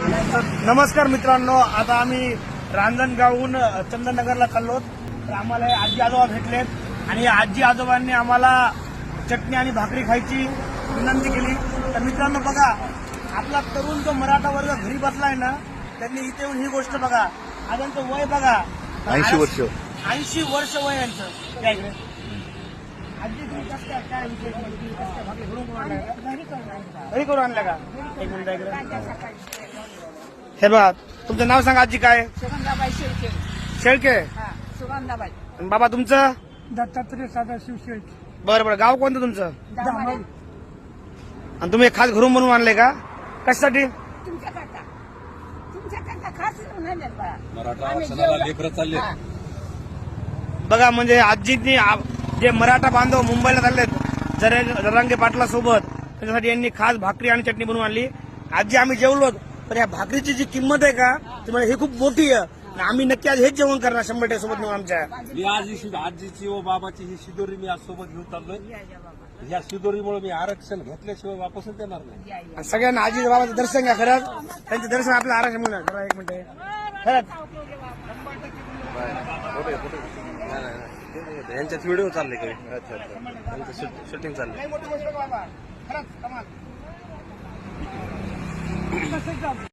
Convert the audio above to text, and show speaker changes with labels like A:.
A: नमस्कार मित्रांनो, आता आम्ही रांजणगावहून चंदननगरला चाललो. तर आम्हाला आजी आजोबा भेटलेत आणि आजी आजोबांनी आम्हाला चटणी आणि भाकरी खायची विनंती केली. तर मित्रांनो बघा, आपला तरुण जो मराठा वर्ग घरी बसलाय ना, त्यांनी इथे येऊन ही गोष्ट बघा. आज त्यांचं वय बघा
B: 80 वर्ष.
A: 80 वर्ष वय यांचं. त्या इकडे आजी तुम्ही कसं काय विषय भाकरी घरून आणल्या का? घरी करून आणल्या का? एक मिनिट इकडे. हे बघा, तुमचं नाव सांगा आजी. काय?
C: सुगंधाबाई शेळके.
A: शेळके.
C: सुगंधाबाई.
A: आणि बाबा तुमचं?
C: दत्तात्रय सदाशिव शेळके.
A: बरं बरं. गाव कोणतं तुमचं?
C: दामोली.
A: आणि तुम्ही खास घरून बनवून आणले का? कशासाठी?
C: तुमच्याकरता खास म्हणून आणले बा.
B: मराठा
C: आम्ही
B: आरक्षणाला
C: जेवलं.
B: लेकरं चालले.
C: हा.
A: बघा, म्हणजे आजींनी जे मराठा बांधव मुंबईला चाललेत जरांगे पाटला सोबत, त्याच्यासाठी यांनी खास भाकरी आणि चटणी बनवून आणली. आजी आम्ही जेवलो, पण या भाकरीची जी किंमत आहे का, ती म्हणजे ही खूप मोठी आहे. आणि आम्ही नक्की आज हेच जेवण करणार 100% सोबत नेऊन आमच्या.
B: मी आज आजीची व बाबाची ही शिदोरी मी आज सोबत घेऊन चाललोय. या शिदोरीमुळे मी आरक्षण घेतल्याशिवाय वापसच देणार नाही.
A: आणि सगळ्यांना आजी बाबाचं दर्शन घ्या. खरंच त्यांचं दर्शन आपल्याला आराम मिळणार. जरा एक मिनिट. खरंच
B: यांच्यात व्हिडिओ चालले काही. अच्छा, शूटिंग चालली.
A: लई मोठी गोष्ट बाबा. खरंच कमाल.